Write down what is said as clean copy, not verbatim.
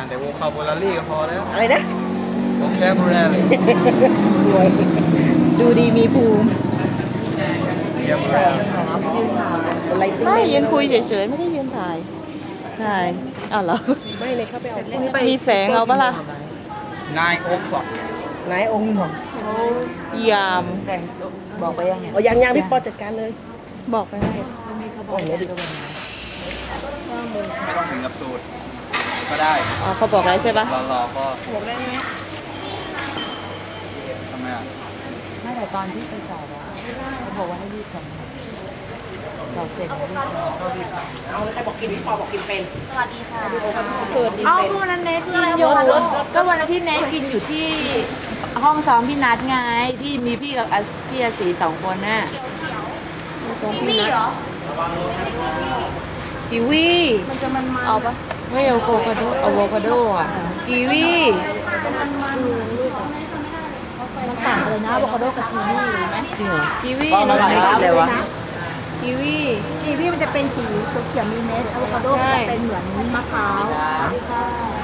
แต่โวคาโบลารี่ก็พอแล้วอะไรนะโวแคบูลารี่ดูดีมีภูมิไม่ยืนคุยเฉยๆไม่ได้ยืนถ่ายใช่อ้าวเหรอไม่เลยเข้าไปเอามีแสงเอาปะล่ะนายโอ๊กบอกนายองค์ของยามบอกไปยังไงยังพี่ปอจัดการเลยบอกไปให้ไม่ต้องถึงกับสูตรก็ได้อ๋อเขาบอกแล้วใช่ปะรอก็บอกได้ไหมทำไมอ่ะไม่แต่ตอนที่ไปสอบอะเขาบอกว่าให้รีบทำสอบเสร็จแล้วรีบทำเอาใครบอกกินพี่ปอบอกกินเป็นสวัสดีค่ะสวัสดีเอาก็วันนั้นเนทกินอยู่ก็วันนั้นที่เนทกินอยู่ที่ห้องซ้อมพี่นัทไงที่มีพี่กับพี่อาศี2 คนน่ะพี่เหรอกีวีมันจะมันเอาปะไม่เอาอะโวคาโดอ่ะกีวีมันต่างเลยนะอะโวคาโดกับกีวีไหมจริงเหรอกีวีมันอะไรเลยวะกีวีมันจะเป็นสีเขียวมีเม็ดอะโวคาโดจะเป็นเหมือนมะพร้าว